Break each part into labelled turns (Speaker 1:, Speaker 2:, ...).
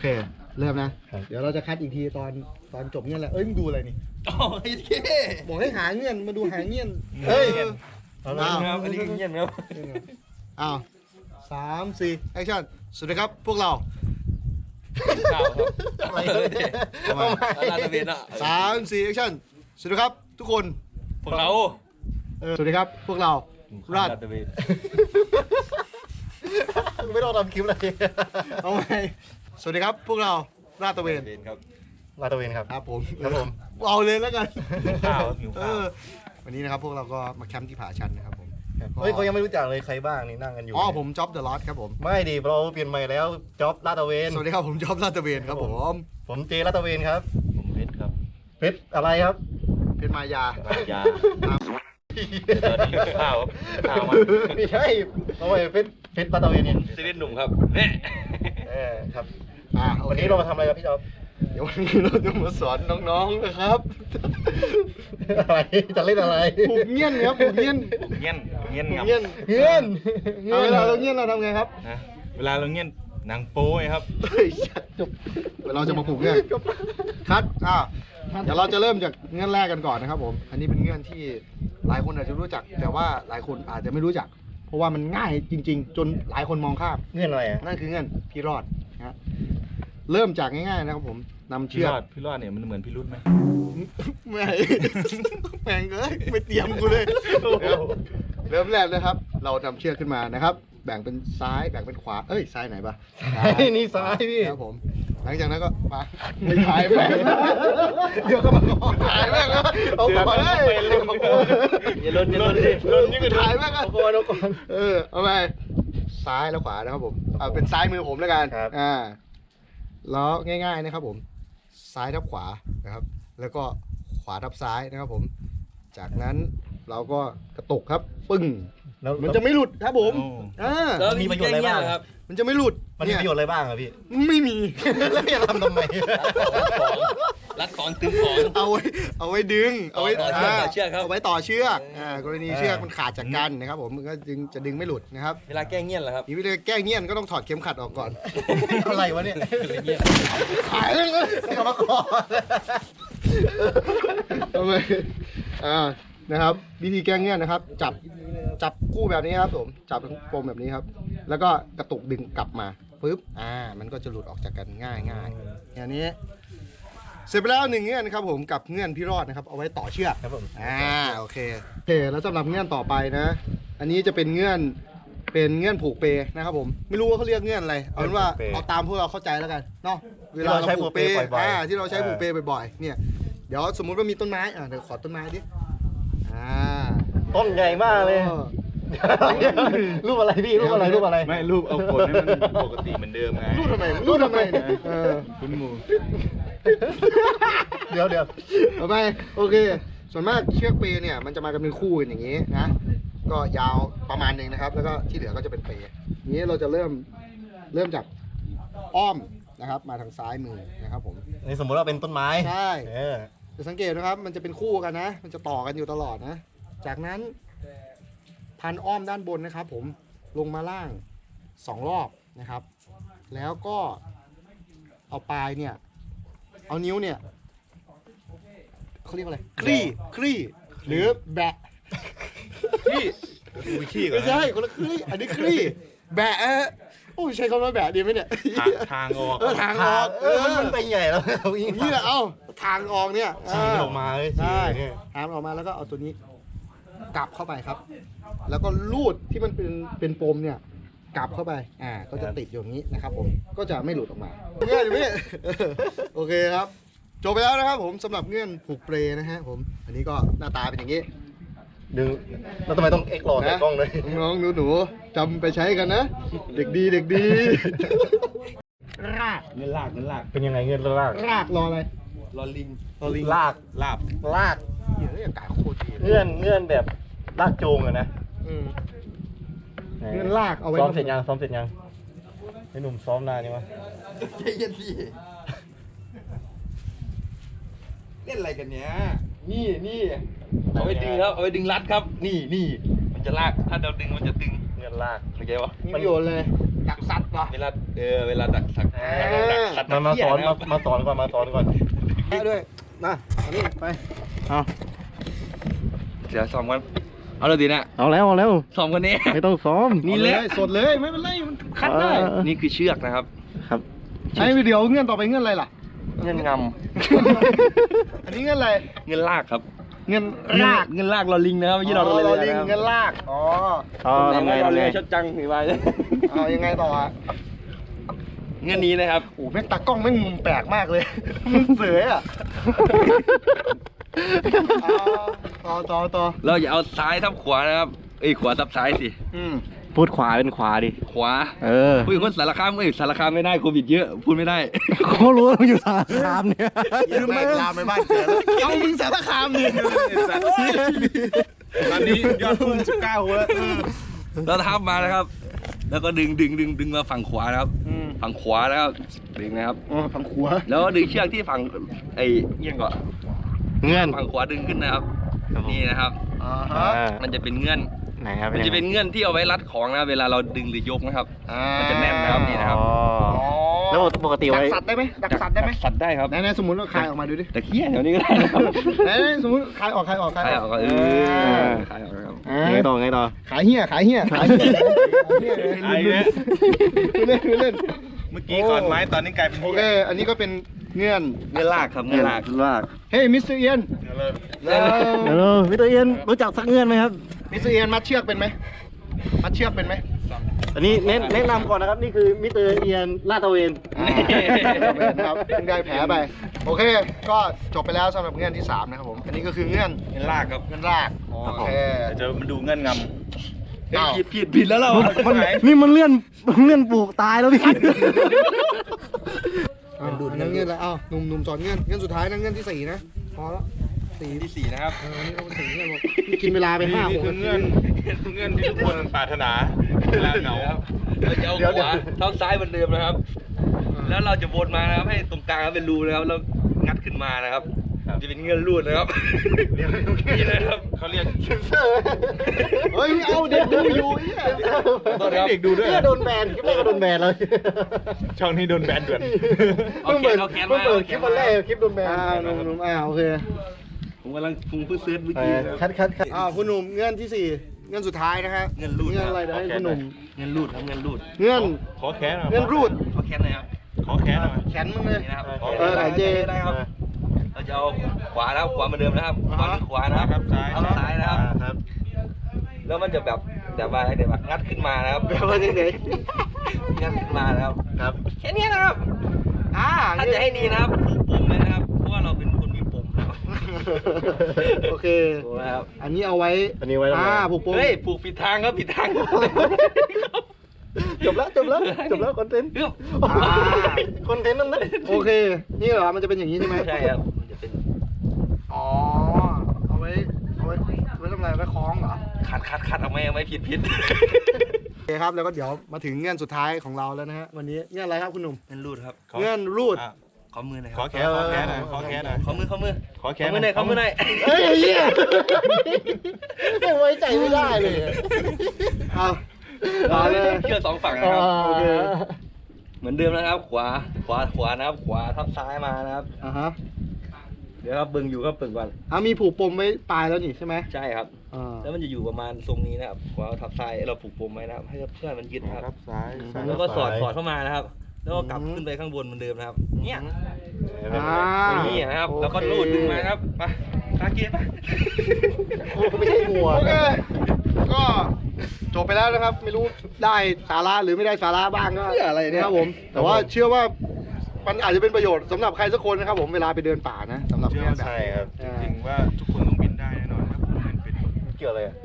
Speaker 1: เริ่มนะเดี๋ยวเราจะคัดอีกทีตอนจบเงื่อนแล้วมึงดูอะไรนี่บอกให้หาเงื่อนมาดูหาเงื่อน
Speaker 2: ครับอันนี้เงียบครับ
Speaker 1: อ้าว3 4แอคชั่นสวัสดีครับพวกเรา
Speaker 2: ข่าวครับอะไรลาดตระเวนอ่ะ
Speaker 1: 3 4แอคชั่นสวัสดีครับทุกคน
Speaker 2: พวกเรา
Speaker 1: สวัสดีครับพวกเราราด
Speaker 2: ตระเวน
Speaker 1: ไม่ต้องทำคลิปเลยเอาไหมสวัสดีครับพวกเราราดตระเวน
Speaker 2: ครับ
Speaker 3: ลาตระเวนครับ
Speaker 1: ครับผม
Speaker 3: ครับผม
Speaker 1: เอาเลยแล้วกัน
Speaker 2: ข้าว
Speaker 1: วันนี้นะครับพวกเราก็มาแคมป์ที่ผาชันนะครับผม
Speaker 3: เฮ้ยเขายังไม่รู้จักเลยใครบ้างนี่นั่งกันอยู่
Speaker 1: ผมจ็อบเดอะลอสครับผม
Speaker 3: ไม่ดิเราเปลี่ยนใหม่แล้วจ็อบลาตระเวน
Speaker 1: สวัสดีครับผมจ็อบลาดตระเวนครับ
Speaker 3: ผมเจลาตระเวนครับ
Speaker 2: ผมเพชรครับ
Speaker 3: เพชรอะไรครับ
Speaker 1: เพชรมายา
Speaker 2: ข้าวมา
Speaker 3: ไม่ใช่ทำไมเพชรลาตระเวนเนี่ย
Speaker 2: ซีรีส์หนุ่มครับเนี่ย
Speaker 3: ครับวันนี้เรามาทำอะไรครับพี่จ๊อบ
Speaker 1: เดี๋ยววันนี้เราจะมาสอนน้องๆนะครับ
Speaker 3: อะไรจะเล่นอะไร
Speaker 1: ผูกเงี้ยนครับผูกเงี้ยน
Speaker 2: เงี้ยน
Speaker 1: เวลาเราเงี้ยนเราทำไงครับ
Speaker 2: เวลาเราเงี้ยนหนังโป้ครับ
Speaker 1: จบเราจะมาผูกเงี้ยนคัดเดี๋ยวเราจะเริ่มจากเงื่อนแรกกันก่อนนะครับผมอันนี้เป็นเงื่อนที่หลายคนอาจจะรู้จักแต่ว่าหลายคนอาจจะไม่รู้จักเพราะว่ามันง่ายจริงๆจนหลายคนมองข้าม
Speaker 3: เงื่อนอะไร
Speaker 1: นั่นคือเงื่อนพี่รอดนะเริ่มจากง่ายๆนะครับผมนำเชือก
Speaker 2: พี่รอดเนี่ยมันเหมือนพี่รุ่นไหม
Speaker 1: ไม่แม่งเลยไม่เตรียมกูเลยเริ่มแรกนะครับเรานำเชือกขึ้นมานะครับแบ่งเป็นซ้ายแบ่งเป็นขวาซ้ายไหนปะ
Speaker 3: นี่ซ้ายพี่
Speaker 1: ครับผมหลังจากนั้นก็มาไม่ถ่ายแม่งเดี๋ยวก็มาถ่ายแม่งแล้วเอาก่อนเลย
Speaker 2: อย่าล้น
Speaker 1: นี่ก็ถ่ายแม่งเอาก่อนเอาไปซ้ายแล้วขวานะครับผมเอาเป็นซ้ายมือผมแล้วกันแล้วง่ายๆนะครับผมซ้ายทับขวานะครับแล้วก็ขวาทับซ้ายนะครับผมจากนั้นเราก็กระตุกครับปึ้งมันจะไม่หลุดครับผม
Speaker 2: แล้วมีประโยชน์อะไรบ้างครับ
Speaker 1: มันจะไม่หลุด
Speaker 3: มันมีประโยชน์อะไรบ้างครับพี่
Speaker 1: ไม่มี
Speaker 3: แล้วพี่จะทำไม
Speaker 2: รัดของตึงของ
Speaker 1: เอาไว้ดึงเอาไว้
Speaker 2: ต่อเชือกครับ
Speaker 1: เอาไว้ต่อเชือกกรณีเชือกมันขาดจากกันนะครับผมมันก็จะดึงไม่หลุดนะครับ
Speaker 2: เวลาแก้เงี้ยนเหรอครับ
Speaker 1: เวลาแก้เงี้ยนก็ต้องถอดเข็มขัดออกก่อน
Speaker 3: อะไรวะเนี่ย
Speaker 1: ขายเลย
Speaker 3: กรรมกร
Speaker 1: ทำไมนะครับวิธีแก้เงี้ยนนะครับจับคู่แบบนี้ครับผมจับปมแบบนี้ครับแล้วก็กระตุกดึงกลับมาปึ๊บมันก็จะหลุดออกจากกันง่ายอย่างนี้เสร็จไปแล้ว1เงื่อนครับผมกับเงื่อนพี่รอดนะครับเอาไว้ต่อเชือก
Speaker 3: ครับผม
Speaker 1: โอเคแล้วสำหรับเงื่อนต่อไปนะอันนี้จะเป็นเงื่อนผูกเปนะครับผมไม่รู้ว่าเขาเรียกเงื่อนอะไรเอาเป็นว่าเอาตามพวกเราเข้าใจแล้วกันเนาะเวลาเราผูกเปที่เราใช้ผูกเปบ่อยๆเนี่ยเดี๋ยวสมมุติว่ามีต้นไม้เดี๋ยวขอต้นไม้ดิ
Speaker 3: ต้นใหญ่มากเลยรูปอะไรพี่รูปอะไร
Speaker 2: ไม่รูปเอาผลให้มันปกติเหมือนเดิมไง
Speaker 1: รูปทำไม
Speaker 2: คุณหมู
Speaker 3: เดี๋ยว
Speaker 1: เอาไปโอเคส่วนมากเชือกเปเนี่ยมันจะมากันเป็นคู่กันอย่างนี้นะก็ยาวประมาณนึงนะครับแล้วก็ที่เหลือก็จะเป็นเปนี้เราจะเริ่มจากอ้อมนะครับมาทางซ้ายมือนะครับผม
Speaker 3: นี่สมมติว่าเป็นต้นไม้
Speaker 1: ใช่จะสังเกตนะครับมันจะเป็นคู่กันนะมันจะต่อกันอยู่ตลอดนะจากนั้นพันอ้อมด้านบนนะครับผมลงมาล่าง2 รอบนะครับแล้วก็เอาปลายเนี่ยเอานิ้วเนี่ยเขาเรียกอะไรคลี่หรือแบะ
Speaker 2: ขี้
Speaker 1: ไม่ใช่คนละคลี่อันนี้คลี่แบะโอ้ใช้คำว่าแบะดีไหมเนี่ย
Speaker 2: ทางออก
Speaker 1: ทางออก
Speaker 3: มันไปใหญ่แล้ว
Speaker 1: นี่แหละทางออกเนี่ย
Speaker 3: ฉีกออกมา
Speaker 1: ใช่ทางออกมาแล้วก็เอาตัวนี้กลับเข้าไปครับแล้วก็ลูดที่มันเป็นปมเนี่ยกลับเข้าไปก็จะติดอยู่อย่างนี้นะครับผมก็จะไม่หลุดออกมาเงื่อนพี่โอเคครับจบไปแล้วนะครับผมสำหรับเงื่อนผูกเปรนะฮะผมอันนี้ก็หน้าตาเป็นอย่างนี้
Speaker 3: ดึงแล้วทำไมต้องเอ็กซ์หลอดในกล้องเลย
Speaker 1: น้องหนูจำไปใช้กันนะเด็กดีราก
Speaker 2: เงินลาก
Speaker 3: เป็นยังไงเงินราก
Speaker 1: รออะไร
Speaker 2: รอลิง
Speaker 3: ลาก
Speaker 1: เดี๋ยวอากาศโคตรดี
Speaker 3: เงื่อนแบบลากโจงอะนะ
Speaker 1: เงื่อนลากเอาไว้
Speaker 3: ซ้อมเสร็จยังไอ้หนุ่มซ้อมนานยังวะ
Speaker 2: ใจเย็นดิเล่นอะไรกันเนี้ยนี่เอาไปดึงครับเอาไปดึงรัดครับนี่มันจะลากถ้าเราดึงมันจะตึง
Speaker 3: ลาก
Speaker 2: เข้าใจปะ
Speaker 1: มีประโยชน์เลยดักสัตว์เหรอ
Speaker 2: เวลาดักสัตว์สัตว์
Speaker 3: มาสอน
Speaker 2: เหี้ยะครับ
Speaker 3: มาสอนก่อนมาสอนก่อน
Speaker 1: ได้ด้วยมาอันนี้ไป
Speaker 3: เอา
Speaker 2: เดี๋ยวซ้อมกันเอาเลยดีนะ
Speaker 3: เอาแล้ว
Speaker 2: ซ้อมกันนี้
Speaker 3: ไม่ต้องซ้อม
Speaker 2: นี่แหละ
Speaker 1: สดเลยไม่เป็นไรมันคัดได้
Speaker 2: นี่คือเชือกนะครับ
Speaker 3: ครับ
Speaker 1: ไอ้เดี๋ยวเงื่อนต่อไปเงื่อนอะไรล่ะ
Speaker 2: เงินง
Speaker 1: อันนี้เงื่อนอะไร
Speaker 2: ำเงินลากครับ
Speaker 1: เงื่อนราก
Speaker 2: เงินลากเราลิงนะครับไม่ใช่เรา
Speaker 1: อ๋อ
Speaker 2: เลย
Speaker 1: เรา
Speaker 2: นะ
Speaker 1: ลิง
Speaker 2: ครับ
Speaker 1: เงื่อนรากอ๋อ
Speaker 3: ทำไง
Speaker 2: เรา
Speaker 3: ทำ
Speaker 2: เล
Speaker 3: ไง
Speaker 2: ยชดจังหรือว่า
Speaker 1: เอายังไงต่ออ่ะ
Speaker 2: เงินนี้นะครับ
Speaker 1: โอ้แม่งตากล้องแม่งมุมแปลกมากเลยมุมเสยอ่ะต่อ
Speaker 2: เราอย่าเอาซ้ายทับขวานะครับขวาทับซ้ายสิ
Speaker 3: พูดขวาเป็นขวาดิ
Speaker 2: ขวา
Speaker 3: เออ
Speaker 2: พูดคนสารคามสารคามไม่ได้โควิดเยอะพูดไม่ได้
Speaker 3: เขารู้ว่าอยู่สารคามเนี่ย
Speaker 1: ยืมไปลามไปบ้านเกิดแล้วเอามึงสารคามนี่
Speaker 4: ตอนนี้ยอดพุ่ง19หัวแล้ว
Speaker 2: เราทับมานะครับ แล้วก็ดึงมาฝั่งขวานะครับ ฝั่งขวานะครับดึงนะครับ
Speaker 1: ฝั่งขวา
Speaker 2: แล้วก็ดึงเชือกที่ฝั่งเอียงก่อน
Speaker 3: เงื่อน
Speaker 2: ฝั่งขวาดึงขึ้นนะครับ นี่นะครับ มันจะเป็นเงื่อน
Speaker 3: ไหนครับ
Speaker 2: มันจะเป็นเงื่อนที่เอาไว้รัดของนะเวลาเราดึงหรือยกนะครับ มันจะแน่นนะครับนี่นะครับ
Speaker 3: แล้วปกติ
Speaker 1: ดั
Speaker 3: ไว้
Speaker 1: กสัตว์ได้ไหมดักสัตว์ได้ไหม
Speaker 2: สัตว์ได้ครับ
Speaker 1: ไหนสมมติว่าคายออกมาดูดิ
Speaker 2: แต่เขี้ยแถวนี้ก็ได้นะครับ
Speaker 1: ไหนสมมติคายออก
Speaker 2: ขายออกก็คายออกครับ
Speaker 3: ไงต่อไงต่อ
Speaker 1: ขายเหี้ย
Speaker 4: ไอ้เนี่ย
Speaker 1: เล่น
Speaker 4: เมื่อกี้ก่อนไม้ตอนนี้กลายเป็น
Speaker 1: โอเค อันนี้ก็เป็นเงื่อน
Speaker 2: เงื่อนลากครับเงื่อนลาก
Speaker 3: ลาก
Speaker 1: เฮ้ยมิสเตอร์เอียน
Speaker 3: เดี๋ยวมิสเตอร์เอียนรู้จักสักเงื่อนไหมครับ
Speaker 1: มิสเตอร์เอียนมัดเชือกเป็นไหมมัดเชือกเป็นไหม
Speaker 3: อันนี้แนะนำก่อนนะครับนี่คือมิสเตอร์เอียนลาดตระเวน
Speaker 1: ครับเพิ่งได้แผลไป โอเค ก็จบไปแล้วสำหรับเงื่อนที่ 3 นะครับผม อันนี้ก็คือเงื่อน
Speaker 2: เงื่อนลากครับ
Speaker 1: เงื่อนราก โอเค
Speaker 4: เดี๋ยวจะมาดูเงื่อนง
Speaker 1: อ้าว
Speaker 2: ผิดแล้วเรา
Speaker 3: นี่มันเลื่อนปลูกตายแล้วพี่
Speaker 1: นั่งเงื่อนแล้วอ้าวหนุ่มสอนเงื่อน เงื่อนสุดท้ายนะเงื่อนที่ 4 นะ พอแล้ว
Speaker 2: ที่สี่นะครับ
Speaker 1: นี่ก็เป็น4เงื่อนบอกกินเวลาไป
Speaker 4: ำ
Speaker 1: 5
Speaker 4: นี่
Speaker 1: 6
Speaker 4: คือ
Speaker 1: นาที
Speaker 4: เงื่อนที่ทุกคนปรารถนาเวลาเหงา
Speaker 2: เราจะเอาขวาเท้าซ้ายเหมือนเดิมนะครับ แล้วเราจะวนมานะครับให้ตรงกลางเป็นรูนะครับแล้วงัดขึ้นมานะครับจะเป็นเงื่อนรูดนะครับนี่นะครับ
Speaker 4: เขาเรียก
Speaker 1: เฮ้ย เอาเด็กดูอยู่เหี้ย
Speaker 4: เด็กดูด้วย
Speaker 3: โดนแบนคลิปแรกก็โดนแบนเลย
Speaker 4: ช่องนี้โดนแบนด่วน
Speaker 2: เอาแขนเอาแขนมา
Speaker 3: เปิดคลิปวันแรกคลิปโดนแบน
Speaker 1: หนุ่มโอเค
Speaker 2: ผมกำลังพุงเพื่อเซิร์ชเมื่อกี้นะครับ
Speaker 3: คัด
Speaker 1: คุณหนุ่มเงื่อนที่ 4 เงื่อนสุดท้ายนะฮะ
Speaker 2: เงื่อนรูด
Speaker 1: เงื่อนอะไรเดี๋ยวให้คุณหนุ่ม
Speaker 2: เงื่อนรูดครับเงื่อนรูด
Speaker 1: เงื่อน
Speaker 4: ขอแค้นหน่อย
Speaker 1: เงื่อนรูด
Speaker 2: เอาแขนหน่อยครับ
Speaker 4: ขอแค้นหน่อย
Speaker 1: แขนมึงเลย
Speaker 2: นี่นะครับ
Speaker 1: หายเจ
Speaker 2: ได้ครับเราจะเอาขวานะครับขวาเหมือนเดิมนะครับขวาเป็นขวานะครับ
Speaker 4: ซ้าย
Speaker 2: เอาซ้ายนะครับ
Speaker 3: ครับ
Speaker 2: แล้วมันจะแบบว่าเดี๋ยวงัดขึ้นมานะครับ
Speaker 1: แบบว่าไหน
Speaker 2: งัดขึ้นมานะครับ
Speaker 3: ครับ
Speaker 2: แค่นี้นะครับ ถ้าจะให้ดีนะครับผูกปุ่มเลยนะครับ เพราะว่าเราเป็นคนมีปุ่มนะครับ
Speaker 1: โอเค
Speaker 2: ถูกไหมครับ
Speaker 1: อันนี้เอาไว้
Speaker 3: อันนี้ไว้ทำไม
Speaker 1: ผูกโป่ง
Speaker 2: เฮ้ยผูกผิดทางครับผิดทาง
Speaker 3: จบแล้วคอนเทนต์
Speaker 2: เรื่อง
Speaker 3: คอนเทนต์นั่นนะ
Speaker 1: โอเค นี่เหรอ มันจะเป็นอย่างนี้ใช่ไหม
Speaker 2: ใช่ครับมันจะเป็น
Speaker 1: อ๋อ เอาไว้ทำอะไรไว้คล้องเหรอ
Speaker 2: คัดเอาไม่ผิด
Speaker 1: โอเคครับ แล้วก็เดี๋ยวมาถึงเงื่อนสุดท้ายของเราแล้วนะฮะ วันนี้เงื่อนอะไรครับคุณหนุ่ม
Speaker 2: เงื่อนรูดครับ
Speaker 1: เงื่อนรูด
Speaker 4: อ่ะ
Speaker 2: ขอมือหน่อยค
Speaker 4: ขอ
Speaker 2: รับ
Speaker 4: แค้นขอแค้นหน่อยขอแค้นหน่อย
Speaker 2: ขอมือ
Speaker 4: ขอแค้น
Speaker 2: มือหน่อยขอมือหน่อย
Speaker 1: เฮ้ยเหี้ยไม่ไว้ใจไม่ได้เลยเอาเลย
Speaker 2: เชือกสองฝั่งนะครับ
Speaker 1: โอเค
Speaker 2: เหมือนเดิมนะครับ ขวานะครับขวาทับซ้ายมานะครับ
Speaker 1: ฮะ
Speaker 2: เดี๋ยวครับเบิ่งอยู่ครับเบิ่งก่อน
Speaker 1: มีผูกปมไว้ปลายแล้วนี่ใช่ไหม
Speaker 2: ใช่ครับ แล้วมันจะอยู่ประมาณทรงนี้นะครับขวาทับซ้ายเราผูกปมไว้นะครับ ให้เพื่อนมันยึดนะครับ
Speaker 4: ครับซ้าย
Speaker 2: แล้วก็สอดเข้ามานะครับ แล้วก็กลับขึ้นไปข้างบนเหมือนเดิมนะครับ เนี่ย นี่นะครับ แล้วก็รูดดึงมาครับไปตาเกียร์ไป
Speaker 3: ไม่ใช่หัว
Speaker 1: โอเค ก็จบไปแล้วนะครับ ไม่รู้ได้สาระหรือไม่ได้สาระบ้างก็อะไรนะครับผม แต่ว่าเชื่อว่ามันอาจจะเป็นประโยชน์สำหรับใครสักคนนะครับผมเวลาไปเดินป่านะสำหรับ
Speaker 4: เชื่อ
Speaker 1: เนี่ย
Speaker 4: ว่า
Speaker 1: แบบ
Speaker 3: ใช่ครับ
Speaker 4: จริงๆว่าทุกคนต้องบินได้แน่นอนครับผมเป็น
Speaker 3: เกี่ยวอะไรอ่ะ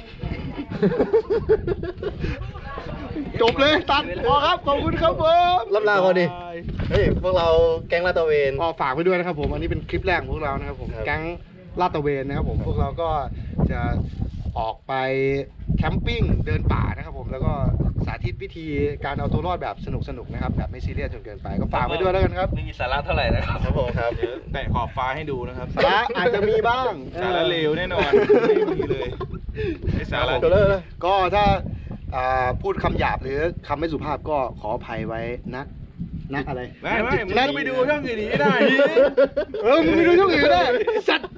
Speaker 1: จบเลยตัดพอครับขอบคุณครับผม
Speaker 3: รับลาก่อนดิ เฮ้ย พวกเราแก๊งลาดตระเวน
Speaker 1: พอฝากไว้ด้วยนะครับผมอันนี้เป็นคลิปแรกของพวกเรานะครับผม
Speaker 3: ครับ
Speaker 1: แก๊งลาดตระเวนนะครับผมพวกเราก็จะออกไปแคมปิ้งเดินป่านะครับผมแล้วก็สาธิตวิธีการเอาตัวรอดแบบสนุกๆนะครับแบบไม่ซีเรียสจนเกินไปก็ฝากไว้ด้วยแล้วกันครับ
Speaker 2: ไม่มีสาระเท่าไหร่นะครับ
Speaker 3: ครับผมครับ
Speaker 4: เดี๋ยวแตะขอบฟ้าให้ดูนะครับ
Speaker 1: สาระอาจจะมีบ้าง
Speaker 4: สาระเลวแน่นอนไม่มีเลยไอ้สาระ
Speaker 3: จบเลย
Speaker 1: ก็ถ้าพูดคำหยาบหรือคำไม่สุภาพก็ขออภัยไว้นะอะไร
Speaker 4: ไม่มึงก็ไปดูช่องอื่นดีได้
Speaker 1: มึงไปดูช่องอื่นก็ได้สัตว์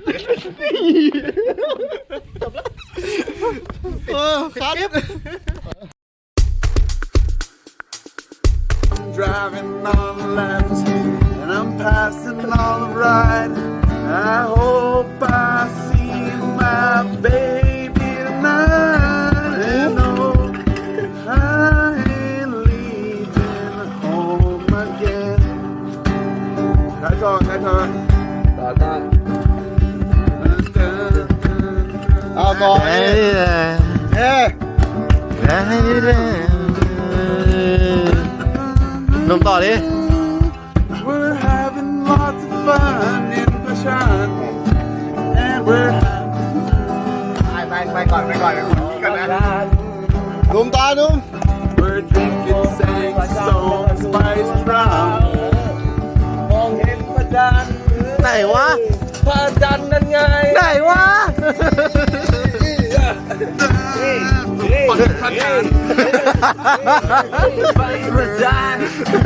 Speaker 1: ครับ
Speaker 5: Driving on the left and I'm passing on the right. I hope I see my baby tonight. And no, I ain't leaving home again. ใครต่อ
Speaker 2: ต่อ
Speaker 1: เอาก่อนเฮ้นมต่อดิ
Speaker 5: We're having lots of fun in Pashan. And we're
Speaker 1: ไปก่อนนี่ก่อนนะนุ่มตานุ่ม
Speaker 5: We're drinking, saying song, spiced rum.
Speaker 2: มองเห็นพระจันทร์
Speaker 1: ไหนวะ
Speaker 2: พระจันทร์นั่นไง
Speaker 1: ไหนวะ
Speaker 5: Fuckพระจันทร์
Speaker 2: พระจันทร์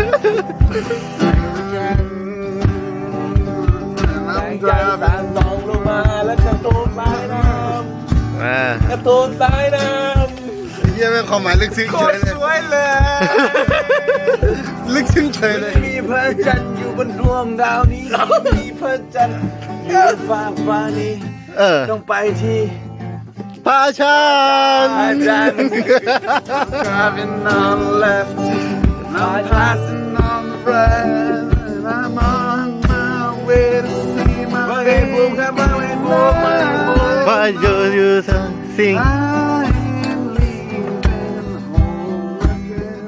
Speaker 5: I'm
Speaker 2: ใจ
Speaker 5: driving.
Speaker 2: ต่างนองลงมาแล้วกระโดดสายน้ำกระโดดสายน้ำ
Speaker 1: เยี่ยมเป็นความหมายลึกซึ้งเฉยเลย
Speaker 5: สวยเลย
Speaker 1: ลึกซึ้งเฉยเลย
Speaker 5: มีพระจันทร์อยู่บนดวงดาวนี้ มีพระจันทร์อยู่บนฟ้านี้ ต้องไปที่
Speaker 1: พาชัน
Speaker 5: Driving on the left and I'm passing on the right. And I'm on my way to see my baby.
Speaker 1: ว่าอยู่สิ่ง
Speaker 5: I ain't leaving home again.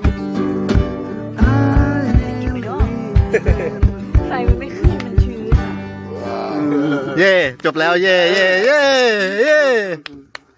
Speaker 5: I ain't leaving.
Speaker 6: ไฟมันไม่ขึ้นมันชื้น
Speaker 1: เย่จบแล้วเย่